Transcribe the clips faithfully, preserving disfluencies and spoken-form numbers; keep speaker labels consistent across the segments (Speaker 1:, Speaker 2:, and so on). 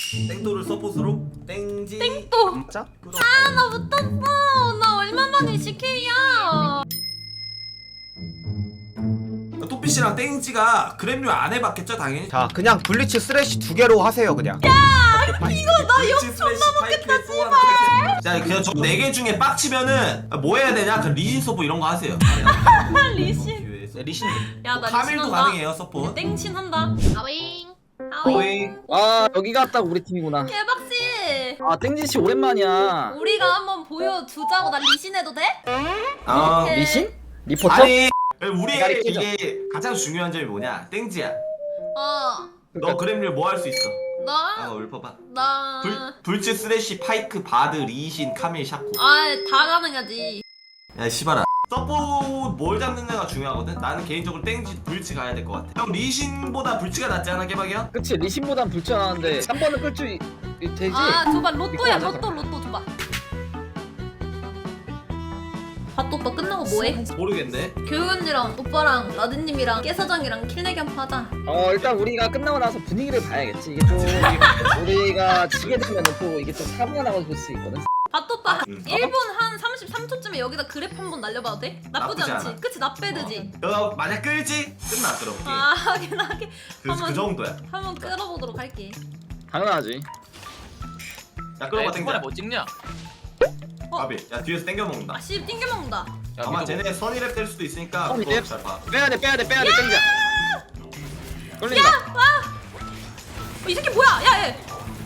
Speaker 1: 땡도를 서폿으로 땡지.
Speaker 2: 땡또.
Speaker 3: 진짜?
Speaker 2: 아, 나 못했어. 나 얼마만에 씨케이야.
Speaker 1: 토피씨랑 땡지가 그램류 안 해봤겠죠 당연히.
Speaker 3: 자 그냥 블리츠 쓰레쉬 두 개로 하세요 그냥.
Speaker 2: 이거 나 욕
Speaker 1: 스매시
Speaker 2: 존나
Speaker 1: 파이크에
Speaker 2: 먹겠다,
Speaker 1: 또 하나
Speaker 2: 씨발.
Speaker 1: 자 그냥 저 네 개 중에 빡치면은 뭐 해야 되냐? 그 리신 서포 이런 거 하세요.
Speaker 2: 리신.
Speaker 1: 네, 리신.
Speaker 2: 야, 나
Speaker 1: 카밀도
Speaker 2: 리신 한다.
Speaker 1: 가능해요 서포.
Speaker 2: 땡신 한다. 아윙. 아윙.
Speaker 1: 오잉.
Speaker 4: 아 여기가 딱 우리 팀이구나.
Speaker 2: 개박씨.
Speaker 4: 아 땡지씨 오랜만이야.
Speaker 2: 우리가 한번 보여주자고. 나 리신 해도 돼?
Speaker 1: 아
Speaker 2: 오케이.
Speaker 4: 리신? 리포터?
Speaker 1: 아니 우리
Speaker 4: 대가리 끼죠.
Speaker 1: 이게 가장 중요한 점이 뭐냐? 땡지야.
Speaker 2: 어.
Speaker 1: 너 그램류 뭐 할 수 있어? 아
Speaker 2: 나.
Speaker 1: 읊어봐.
Speaker 2: 나.
Speaker 1: 불 불츠 쓰레쉬 파이크 바드 리신 카밀 샤코.
Speaker 2: 아, 다 가능하지.
Speaker 1: 야 씨발아. 서포 뭘 잡느냐가 중요하거든. 나는 개인적으로 땡지 불츠 가야 될 것 같아. 형 리신보다 불츠가 낫지 않아 개박이야?
Speaker 4: 그치 리신보단 불편하는데 삼 번은 끌 줄 되지?
Speaker 2: 아, 줘봐. 로또야.
Speaker 4: 이거
Speaker 2: 로또, 로또 줘봐. 밭 오빠 끝나고 뭐해?
Speaker 1: 모르겠네.
Speaker 2: 교육 언니랑 오빠랑 라드님이랑 깨사장이랑 킬내기 한번 하자.
Speaker 4: 어 일단 우리가 끝나고 나서 분위기를 봐야겠지. 이게 좀 우리가 지게 되면 또 이게 좀 사고가 나고 볼 수 있거든.
Speaker 2: 밭 오빠
Speaker 1: 응.
Speaker 2: 일 분 한 삼십삼 초쯤에 여기다 그래프 한번 날려봐도 돼? 나쁘지,
Speaker 1: 나쁘지
Speaker 2: 않지?
Speaker 1: 않아.
Speaker 2: 그치? 나빼드지?
Speaker 1: 너 만약 끌지? 끝나 그럼 게임.
Speaker 2: 아, 하긴 하긴.
Speaker 1: 그,
Speaker 2: 한번
Speaker 1: 그 정도야.
Speaker 2: 한번 끌어보도록 할게.
Speaker 4: 당연하지.
Speaker 1: 야 끌어봐
Speaker 5: 초반에
Speaker 1: 땡자.
Speaker 5: 뭐 찍냐?
Speaker 2: 어.
Speaker 1: 아비. 야 뒤에서 땡겨 먹는다.
Speaker 2: 아, 씨 띵겨 먹는다.
Speaker 5: 야,
Speaker 1: 아마
Speaker 5: 미드
Speaker 1: 쟤네 선이랩 될 수도 있으니까
Speaker 4: 선이랩?
Speaker 1: 그거 잘 봐.
Speaker 4: 빼야 돼 빼야 돼 빼야 돼 땡자. 걸린다.
Speaker 2: 야, 와! 어, 이 새끼 뭐야? 야, 얘.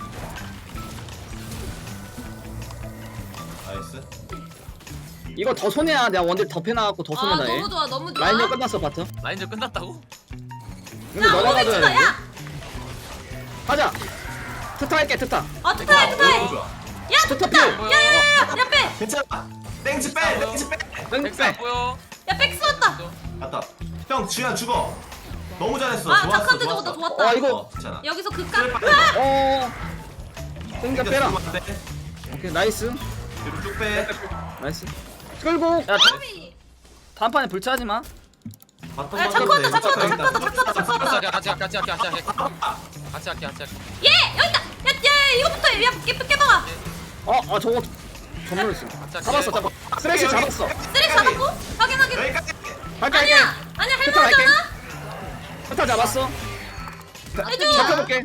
Speaker 1: 나이스.
Speaker 4: 이거 더 손해야. 내가 원딜 더 패나갖고 더
Speaker 2: 아,
Speaker 4: 손해다 얘.
Speaker 2: 너무 좋아, 너무 좋아.
Speaker 4: 라인전 끝났어 바터.
Speaker 5: 라인전 끝났다고?
Speaker 4: 근데
Speaker 2: 야,
Speaker 4: 너가 가져야
Speaker 2: 오렌지다,
Speaker 4: 돼.
Speaker 2: 야!
Speaker 4: 가자. 트타 할게 트타.
Speaker 2: 아, 투타해, 투타해.
Speaker 1: 너무 좋아.
Speaker 2: 야,
Speaker 4: 투타
Speaker 2: 투타!
Speaker 4: 필.
Speaker 2: 야, 야, 야, 야, 야, 빼!
Speaker 1: 괜찮아. 땡지 빼. 땡지 빼.
Speaker 4: 땡
Speaker 5: 엑스 안
Speaker 4: 빼.
Speaker 5: 보여.
Speaker 2: 야, 백스 왔다!
Speaker 1: 갔다. 형 지현 죽어. 너무 잘했어.
Speaker 2: 아,
Speaker 1: 좋았어.
Speaker 2: 착한데
Speaker 1: 좋았어.
Speaker 2: 저거다, 좋았다.
Speaker 4: 아, 이거-
Speaker 1: 어, 괜찮아.
Speaker 2: 여기서 극각.
Speaker 1: 그래,
Speaker 2: 으아!
Speaker 4: 어. 땡자 빼라.
Speaker 1: 죽으면 안 돼.
Speaker 4: 오케이 나이스.
Speaker 1: 뒤로 쭉 빼.
Speaker 4: 나이스. 끌고. 야
Speaker 2: 까비.
Speaker 4: 다음 판에 불차하지 마.
Speaker 1: 바텀
Speaker 2: 야,
Speaker 1: 바텀
Speaker 2: 착하다,
Speaker 1: 돼.
Speaker 2: 착하다,
Speaker 1: 바텀
Speaker 2: 착하다,
Speaker 1: 있다.
Speaker 2: 착하다, 착하다.
Speaker 5: 같이 할게, 같이 할게, 같이 할게, 같이 할게. 같이 할게, 같이 할게.
Speaker 2: 예! 여기다! 야, 야, 이거부터 해. 야, 깨, 깨봐봐.
Speaker 4: 어, 어 저거 전멸했어. 잡았어, 잡았어. 쓰레쉬 잡았어.
Speaker 2: 쓰레 잡았고? 확인, 확인.
Speaker 1: 여기까지.
Speaker 4: 할게, 할게.
Speaker 2: 아니야! 아니야,
Speaker 4: 끝에 갈게.
Speaker 2: 할만하잖아?
Speaker 4: 스타 잡았어.
Speaker 2: 해줘!
Speaker 4: 잡혀볼게.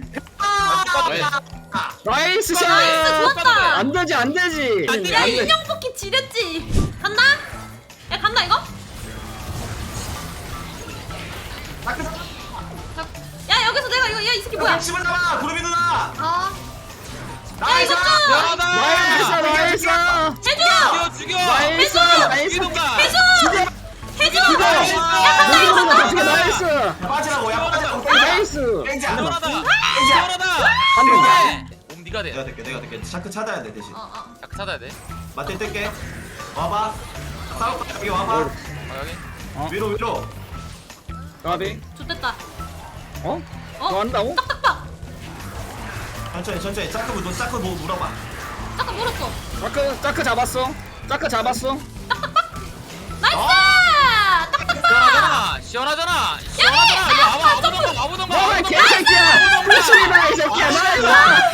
Speaker 4: 나이스 샷.
Speaker 2: 나이스, 좋았다!
Speaker 4: 안 되지, 안 되지.
Speaker 5: 안 돼,
Speaker 2: 야,
Speaker 4: 안 돼.
Speaker 2: 인형 뽑기 지렸지? 간다? 야, 간다, 이거? 자, 야, 여기서 내가 이거, 야, 이 새끼 뭐야?
Speaker 1: 집을 잡아. 구름이 누나.
Speaker 2: 아. 야,
Speaker 1: 나이스.
Speaker 2: 이거 좀!
Speaker 5: 연하다.
Speaker 4: 나이스, 나이스.
Speaker 2: 해줘!
Speaker 5: 죽여, 죽여.
Speaker 4: 나이스, 나이스.
Speaker 5: 이동가.
Speaker 2: 해줘! 해줘!
Speaker 4: 죽여.
Speaker 2: 야, 간다, 이거 간다!
Speaker 4: 죽여, 나이스.
Speaker 1: 빠지라고. 야 빠지라고.
Speaker 4: 나이스.
Speaker 1: 땡지 안
Speaker 5: 시원하다.
Speaker 1: 돼.
Speaker 5: 시원하다.
Speaker 4: 안 된다.
Speaker 5: 네. 옴 니가 돼.
Speaker 1: 내가 될게. 내가 될게. 샤크 찾아야 돼 대신.
Speaker 2: 어, 어.
Speaker 5: 자크 찾아야 돼.
Speaker 1: 맞대 뜰게. 와봐. 싸울까? 여기 와봐.
Speaker 5: 아 여기.
Speaker 4: 어.
Speaker 1: 위로 위로.
Speaker 4: 가비.
Speaker 2: 좋됐다.
Speaker 4: 어?
Speaker 2: 어?
Speaker 4: 너 한다고?
Speaker 2: 딱딱딱!
Speaker 1: 천천히 천천히. 짜크 뭐 짜크 뭐 물어봐.
Speaker 2: 딱딱 물었어.
Speaker 4: 짜크, 짜크 잡았어. 짜크 잡았어.
Speaker 2: 나이스!
Speaker 1: 어?
Speaker 2: 딱딱딱!
Speaker 5: 시원하잖아. 시원하잖아. 시원하잖아. 이거 와봐, 와보던가, 와보던가.
Speaker 4: 너가
Speaker 5: 와보던가.
Speaker 4: 개새끼야. 불신이다 이 새끼야. 나이스.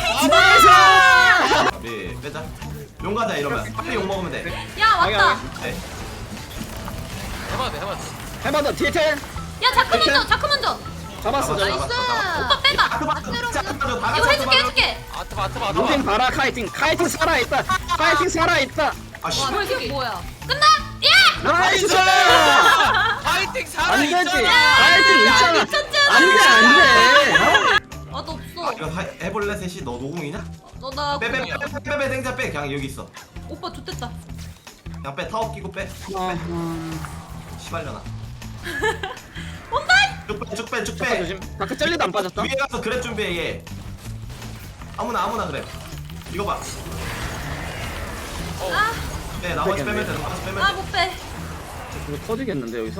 Speaker 4: 나이스.
Speaker 1: 우리 빼자. 용 가자 이러면. 빨리 용 먹으면 돼.
Speaker 2: 야, 왔다.
Speaker 1: 네.
Speaker 5: 해봐도 돼, 해봐도 돼.
Speaker 4: 해봐 너 뒤에 텔.
Speaker 2: 야, 자크 먼저, 자크 먼저.
Speaker 4: 잡았어.
Speaker 1: 나이스.
Speaker 4: 잡았어.
Speaker 2: 오빠 빼봐.
Speaker 1: 아크 봐줘. 아크 봐줘. 다
Speaker 2: 이거
Speaker 1: 같이
Speaker 2: 해줄게,
Speaker 1: 봐줘.
Speaker 2: 해줄게.
Speaker 5: 아트 봐, 아트 봐, 아트
Speaker 4: 루팅
Speaker 5: 봐.
Speaker 4: 봐라 카이팅. 카이팅 살아있다. 카이팅 살아있다.
Speaker 1: 아 씨.
Speaker 2: 와, 뭐야, 이게 뭐야? 끝나? 야!
Speaker 4: 나이스.
Speaker 5: 파이팅 살아
Speaker 4: 안 되지.
Speaker 5: 있잖아.
Speaker 4: 카이팅 있잖아.
Speaker 2: 미쳤잖아.
Speaker 4: 안돼 안돼.
Speaker 2: 아, 너
Speaker 1: 아,
Speaker 2: 없어.
Speaker 1: 이거 하- 해볼래 셋이? 너 노공이냐?
Speaker 2: 너 나.
Speaker 1: 빼빼빼빼빼 땡자 빼. 그냥 여기 있어.
Speaker 2: 오빠 좋댔다.
Speaker 1: 그냥 빼. 타워 끼고 빼. 시발려나.
Speaker 2: 온다!
Speaker 1: 쭉빼쭉 빼. 쭉
Speaker 4: 잠깐
Speaker 1: 빼.
Speaker 4: 조심. 다크 젤리도 안 빠졌다.
Speaker 1: 위에 가서 그랩 준비해 얘. 아무나 아무나 그래. 이거 봐.
Speaker 2: 아,
Speaker 1: 네 나머지 빼면 돼. 나머지 빼면
Speaker 2: 아,
Speaker 1: 돼.
Speaker 2: 못 빼.
Speaker 4: 이거 터지겠는데 여기서?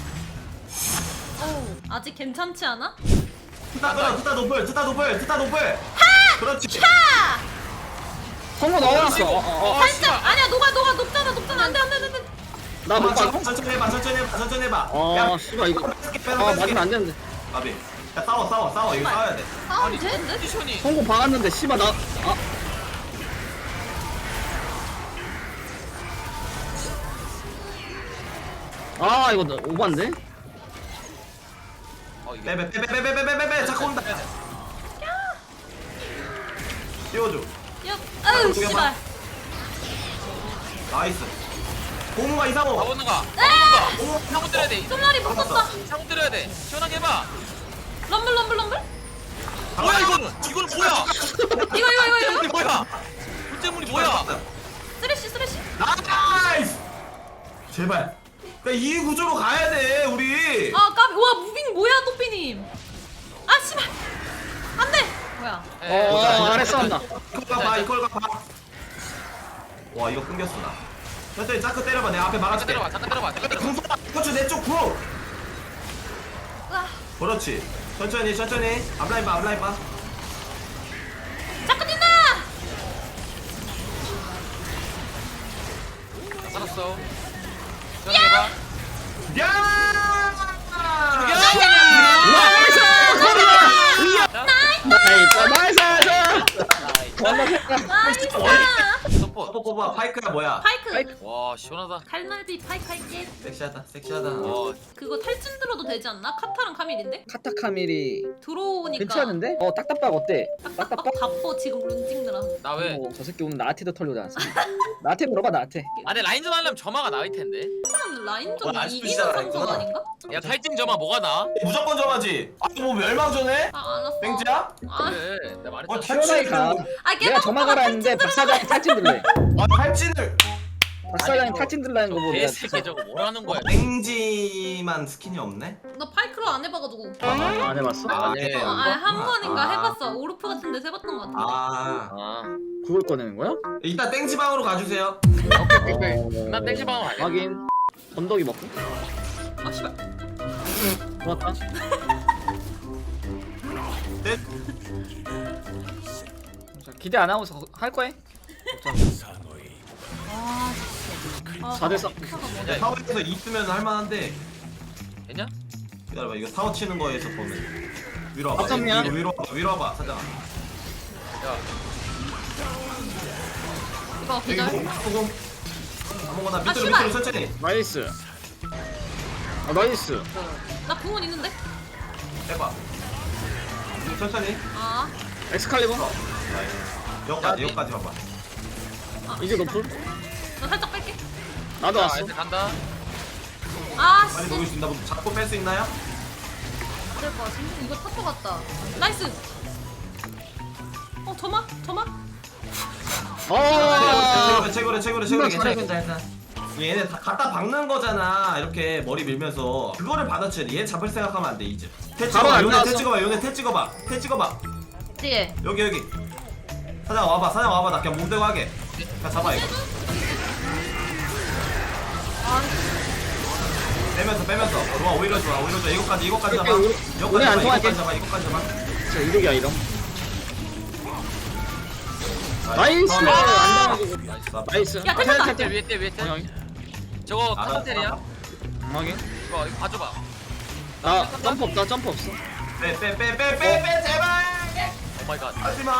Speaker 2: 어우, 아직 괜찮지 않아?
Speaker 1: 트타 끌어. 트타 노플. 트타 노플. 트타 노플. 그렇지.
Speaker 2: 하!
Speaker 4: 성공 넣어놨어. 어, 어, 어.
Speaker 2: 살짝! 아니야, 녹아, 녹아, 녹잖아, 녹잖아. 안 돼, 안 돼, 안 돼.
Speaker 4: 나못 봐.
Speaker 1: 천천히 해봐. 천천히 해봐. 천천히 해봐.
Speaker 4: 어, 씨발 이거. 아 맞으면 안 되는데.
Speaker 1: 아비. 야 싸워 싸워 싸워 이거 싸워야 돼.
Speaker 2: 싸우면 되는데?
Speaker 5: 포지션이
Speaker 4: 성공 박았는데 씨발 나 아. 아 이거 나 오반데?
Speaker 5: 어 이게
Speaker 1: 빼빼 빼빼 빼빼 빼빼 빼빼 자꾸 온다. 띄워줘.
Speaker 2: 야, 아유
Speaker 1: 저기
Speaker 2: 씨발.
Speaker 1: 나이스. 공무가 이상호.
Speaker 5: 가보는가
Speaker 2: 에!
Speaker 1: 공무
Speaker 5: 상고 때려야 돼
Speaker 2: 쏨라리 못 썼다.
Speaker 5: 상고 때려야 돼 시원하게 해봐
Speaker 2: 럼블 럼블 럼블.
Speaker 5: 뭐야 이거는 이거는 뭐야
Speaker 2: 이거 이거 이거 이거.
Speaker 5: 물물이 뭐야 물물이 뭐야
Speaker 2: 쓰레쉬 쓰레쉬.
Speaker 1: 나이스. 제발. 그러니까 이 구조로 가야 돼 우리.
Speaker 2: 아 까비. 와 무빙 뭐야 또삐님. 아 씨발. 안돼. 뭐야?
Speaker 5: 에,
Speaker 4: 어 아래 싸운다.
Speaker 1: 이걸 가봐 이걸 가봐. 와 이거 끊겼어 나. 천천히 짜크 때려봐 내가 앞에
Speaker 5: 잠깐
Speaker 1: 막아줄게.
Speaker 5: 때려봐 잠깐 때려봐 잠깐 때려봐
Speaker 1: 궁 쏴. 그렇지 내쪽 궁.
Speaker 2: 으아.
Speaker 1: 그렇지. 천천히 천천히. 앞라인 봐 앞라인 봐.
Speaker 2: 자꾸 뛴다.
Speaker 5: 다 살았어 시원하게 해봐
Speaker 1: 야!
Speaker 4: 나이스 나이스
Speaker 2: 나이스.
Speaker 5: 서포
Speaker 1: 뽀뽀뽀 파이크야 뭐야?
Speaker 2: 파이크.
Speaker 5: 와 시원하다
Speaker 2: 갈날비 파이크 할게.
Speaker 1: 섹시하다 섹시하다.
Speaker 5: 와
Speaker 2: 그거 탈진 들어도 되지 않나? 카타랑 카밀인데?
Speaker 4: 카타카밀이
Speaker 2: 들어오니까.
Speaker 4: 괜찮은데? 어 딱딱박 어때? 딱딱박?
Speaker 2: 딱 바빠 지금 룬 찍느라.
Speaker 5: 나 왜?
Speaker 4: 어, 저 새끼 오늘 나한테도 털려오지 않습니까? 나한테 물어봐 나한테.
Speaker 5: 아 근데 라인전 하려면 점화가 나을 텐데
Speaker 2: 일단 라인전
Speaker 1: 와, 아직도
Speaker 2: 이기는
Speaker 1: 시작을
Speaker 2: 성적
Speaker 1: 했구나.
Speaker 2: 아닌가?
Speaker 5: 야 탈진 점화 뭐가 나?
Speaker 1: 무조건 정하지. 아니 뭐 멸망전해?
Speaker 2: 아 알았어.
Speaker 1: 땡지야?
Speaker 2: 아,
Speaker 5: 그래 내가 말했잖아
Speaker 1: 어
Speaker 4: 시원하게 가.
Speaker 2: 아
Speaker 4: 내가
Speaker 2: 깨방
Speaker 4: 점화 가라 했는데 박사장이 탈진 들래.
Speaker 1: 아 탈진을.
Speaker 4: 박사장이 탈진 들라는 거 보고 내가
Speaker 5: 개새끼 저거 뭐라는 거야
Speaker 1: 땡지만 스킨이 없네?
Speaker 2: 나 파이크로 안 해봐가지고.
Speaker 4: 안 해봤어?
Speaker 5: 아, 네.
Speaker 2: 어, 아한 번인가
Speaker 1: 아.
Speaker 2: 해봤어. 오르프 같은 데서 해봤던 것 같은데.
Speaker 1: 아
Speaker 5: 아
Speaker 4: 그걸 꺼내는 거야?
Speaker 1: 이따 땡지방으로 가주세요.
Speaker 5: 오케이 오케이 오케이 나 땡지방으로 갈래
Speaker 4: 확인. 건더기 먹고.
Speaker 2: 아 씨발.
Speaker 4: 좋았다.
Speaker 1: 네?
Speaker 3: 기대 안 하고 할 거야?
Speaker 2: 아. 아,
Speaker 4: 사 대 삼.
Speaker 2: 카가 뭐냐?
Speaker 5: 야,
Speaker 1: 타워에서 있으면 할만한데
Speaker 5: 됐냐?
Speaker 1: 기다려봐 이거 타워 치는 거에서 보면 위로 와봐
Speaker 4: 어쩌면?
Speaker 1: 위로, 위로 와봐 위로 와봐 사장.
Speaker 5: 야
Speaker 2: 이거
Speaker 1: 여기
Speaker 2: 기절.
Speaker 1: 공 소금 아무거나 밑으로
Speaker 2: 씨발.
Speaker 1: 밑으로 천천히
Speaker 4: 나이스. 아 나이스.
Speaker 2: 나 궁은 있는데?
Speaker 1: 해봐 천천히
Speaker 2: 아.
Speaker 4: 엑스칼리버.
Speaker 1: 여기까지 여기까지 봐봐.
Speaker 4: 이제 노플.
Speaker 2: 나 살짝 뺄게.
Speaker 4: 나도
Speaker 5: 자
Speaker 4: 왔어.
Speaker 5: 애들 간다
Speaker 2: 아
Speaker 1: 빨리
Speaker 2: 씨.
Speaker 1: 녹일 수 있나 보다. 잡고 뺄 수 있나요?
Speaker 2: 안될 것 같은데? 이거 탈 것 같다. 나이스. 어 저마 저마.
Speaker 4: 어.
Speaker 1: 최고래 최고래 최고래 최고래
Speaker 4: 존나
Speaker 1: 괜찮아 괜찮아 괜찮아. 얘네 다 갖다 박는 거잖아 이렇게 머리 밀면서 그거를 받아쳐야 돼. 얘 잡을 생각하면 안 돼 이제. 태
Speaker 4: 바로
Speaker 1: 찍어봐
Speaker 4: 안
Speaker 1: 요네
Speaker 4: 나왔어.
Speaker 1: 태 찍어봐 요네 태 찍어봐 태 찍어봐
Speaker 2: 뒤에.
Speaker 1: 여기 여기 사장 와봐 사장 와봐 나 그냥 몸대고 하게. 자 잡아 이거
Speaker 2: 아
Speaker 1: 빼면서 빼면서 어, 좋아 오히려 좋아 오히려 좋아 이거까지 이거까지 잡아
Speaker 4: 오케이,
Speaker 1: 이거까지
Speaker 4: 오늘 안
Speaker 1: 잡아
Speaker 4: 통할게.
Speaker 1: 이거까지 잡아 이거까지 잡아.
Speaker 4: 자 이득이야 이런.
Speaker 1: 자,
Speaker 4: 나이스.
Speaker 1: 처음에
Speaker 4: 안 당해주고.
Speaker 1: 나이스
Speaker 4: 나이스.
Speaker 2: 야, 탈출다.
Speaker 5: 위에 때 위에 때 위에 때
Speaker 4: 확인.
Speaker 5: 저거
Speaker 1: 알아,
Speaker 5: 카운텔이야?
Speaker 1: 알아.
Speaker 4: 확인.
Speaker 5: 이거 이거 봐줘봐
Speaker 4: 아 점프 없다 점프 없어.
Speaker 1: 빼빼빼빼빼빼 제발
Speaker 5: 오마이갓
Speaker 1: 하지마.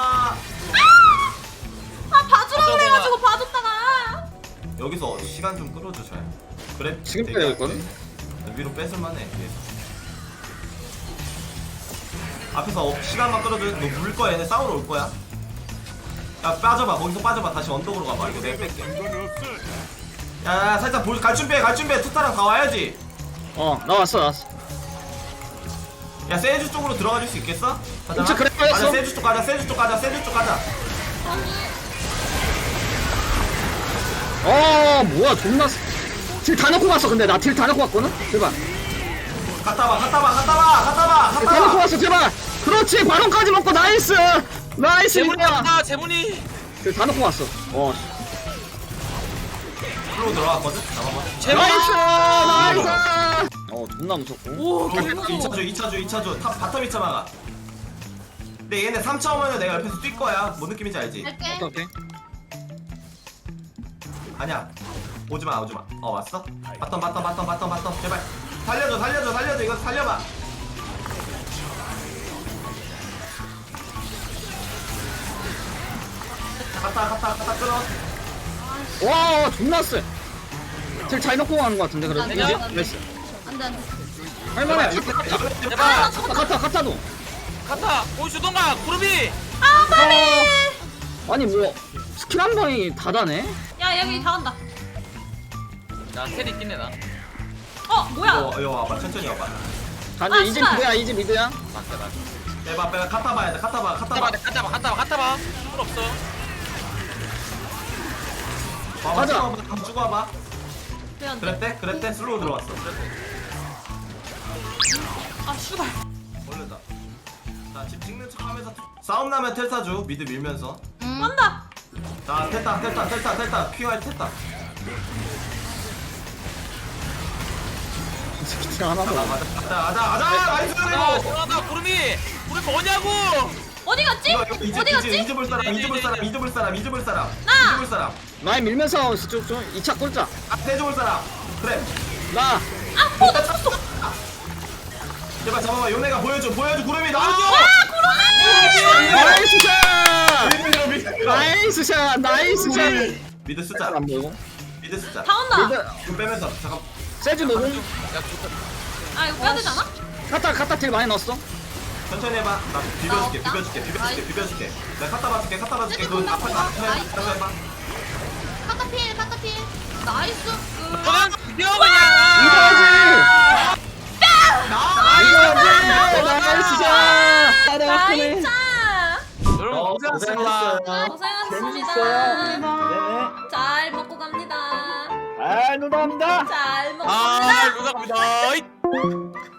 Speaker 2: 아 봐주라 그래가지고 봐줬다가.
Speaker 1: 여기서 시간 좀 끌어줘 잘. 그래
Speaker 4: 지금
Speaker 1: 되게
Speaker 4: 빼야
Speaker 1: 안
Speaker 4: 될거든?
Speaker 1: 돼. 위로 뺏을만해 위에서. 앞에서 어, 시간만 끌어줘. 너 물 거야 얘네 싸우러 올 거야. 야 빠져봐 거기서 빠져봐 다시 언덕으로 가봐 이거 내가 뺄게. 야, 야 살짝 볼, 갈 준비해 갈 준비해 투타랑 다 와야지.
Speaker 4: 어 나왔어 나왔어.
Speaker 1: 야 세주 쪽으로 들어가 줄 수 있겠어? 가자.
Speaker 4: 진짜 그래, 알았어.
Speaker 1: 가자 세주 쪽 가자 세주 쪽 가자 세주 쪽 가자.
Speaker 4: 어 뭐야 존나. 딜 다 넣고 갔어 근데 나 딜 다 넣고 갔거든. 제발.
Speaker 1: 갔다 와 갔다 와 갔다 와 갔다 와
Speaker 4: 다
Speaker 1: 갔다
Speaker 4: 넣고
Speaker 1: 와.
Speaker 4: 왔어 제발. 그렇지 바론까지 먹고 나이스. 나이스
Speaker 5: 재문이
Speaker 4: 이거야.
Speaker 5: 왔다 재문이
Speaker 4: 딜다 넣고 왔어. 어.
Speaker 1: 풀로 들어갔거든. 잡아봐.
Speaker 5: 재문
Speaker 4: 나이스 나이스. 어 존나 무섭고.
Speaker 2: 오
Speaker 1: 이
Speaker 2: 너무
Speaker 1: 차 줘, 이 차 줘, 이 차 줘. 탑 바텀 이 차 막아. 근데 얘네 삼 차 오면은 내가 옆에서 뛸 거야. 뭔 느낌인지 알지?
Speaker 2: 할게.
Speaker 4: 오케이 오케이.
Speaker 1: 아니야. 오지 마, 오지 마. 어 왔어? 바텀, 바텀, 바텀, 바텀, 바텀. 제발. 살려줘, 살려줘, 살려줘. 이거 살려봐. 갔다 갔다 갔다 끊어.
Speaker 4: 와 존나 쎄. 딜잘 넣고 가는 거 같은데 그래도.
Speaker 2: 안 돼,
Speaker 4: 이제?
Speaker 2: 안 돼.
Speaker 4: 나이스.
Speaker 2: 안돼 안돼.
Speaker 4: 할만해.
Speaker 5: 제발
Speaker 2: 아 저거
Speaker 4: 카타 카타도.
Speaker 5: 카타 보여주던가 구름이.
Speaker 2: 아 빨리.
Speaker 4: 어, 아니 뭐 스킬 한 방이 다 다네.
Speaker 2: 야 여기 다 간다.
Speaker 5: 나 텔이 있긴 해나.
Speaker 2: 어 뭐야?
Speaker 1: 이거 이거 와봐 천천히 와봐.
Speaker 4: 간다
Speaker 2: 아,
Speaker 4: 이제
Speaker 2: 씨발.
Speaker 4: 미드야 이제 미드야.
Speaker 5: 맞다 맞다.
Speaker 1: 빼봐 빼봐 갔다 봐야 돼 갔다 봐 갔다
Speaker 5: 갔다
Speaker 1: 봐.
Speaker 5: 봐 갔다 봐 갔다 봐 갔다 봐. 필요 없어.
Speaker 1: 봐봐
Speaker 4: 가자.
Speaker 1: 쭉 와봐 쭉 와봐.
Speaker 2: 왜 안 돼?
Speaker 1: 그랬대 그랬대 슬로우 들어왔어.
Speaker 2: 아 슈발.
Speaker 1: 걸렸다. 자집 찍는 척하면서 싸움 나면 텔타 줘 미드 밀면서.
Speaker 2: 음. 간다.
Speaker 1: 자 텔타 텔타 텔타 텔타 퀴어 텔타.
Speaker 4: 스킬 하나
Speaker 1: 가자
Speaker 4: 더.
Speaker 1: 가자 가자 가자 가자 나이스.
Speaker 5: 아 시원하다 구름이. 구름이 뭐냐고.
Speaker 2: 어디 갔지?
Speaker 1: 이거 이거
Speaker 2: 어디
Speaker 1: 이제 이제
Speaker 2: 갔지?
Speaker 1: 잊어볼 사람 잊어볼 사람 잊어볼 사람 잊어볼 사람
Speaker 2: 나!
Speaker 1: 잊어볼 사람
Speaker 4: 라인 밀면서 쭉쭉 이 차 꼴자.
Speaker 1: 앞에 줘볼 사람 그래.
Speaker 4: 나.
Speaker 2: 아어나 죽었어.
Speaker 1: 제발 잡아봐 요네가 보여줘 보여줘 구름이
Speaker 2: 아
Speaker 1: 나와줘.
Speaker 2: 구름이.
Speaker 4: 나이스 샷.
Speaker 1: 미드 미드
Speaker 4: 나이스 샷. 나이스 샷.
Speaker 1: 미드 숫자
Speaker 4: 안 보이고.
Speaker 1: 미드 숫자.
Speaker 2: 다 온다.
Speaker 4: 미드
Speaker 1: 이거 빼면서 잠깐.
Speaker 4: 세주 노공.
Speaker 5: 야 좋다.
Speaker 2: 아 이거 빼야 되지 않아?
Speaker 4: 카타 카타 딜 많이 넣었어.
Speaker 1: 천천히 해봐. 나 비벼줄게
Speaker 2: 나 없다.
Speaker 1: 비벼줄게 비벼줄게
Speaker 2: 나이스.
Speaker 1: 비벼줄게. 내가 갖다 봐줄게 갖다 봐줄게.
Speaker 2: 세트
Speaker 1: 그거
Speaker 2: 끝났어.
Speaker 1: 앞에 다 해.
Speaker 2: 나이스.
Speaker 1: 해봐 해봐.
Speaker 2: 카타필 카타필. 나이스.
Speaker 5: 너는 뛰어 그냥.
Speaker 4: 이거지.
Speaker 1: 나.
Speaker 4: 이거지. 나이스 샷. 아, 내가 크네.
Speaker 2: 나이스.
Speaker 5: 여러분
Speaker 1: 어,
Speaker 5: 고생하셨습니다.
Speaker 2: 고생하셨습니다.
Speaker 4: 재밌었어요.
Speaker 2: 잘 먹고 갑니다.
Speaker 4: 아, 노답니다.
Speaker 2: 잘 먹고
Speaker 5: 아
Speaker 2: 갑니다.
Speaker 5: 누가 갑니다.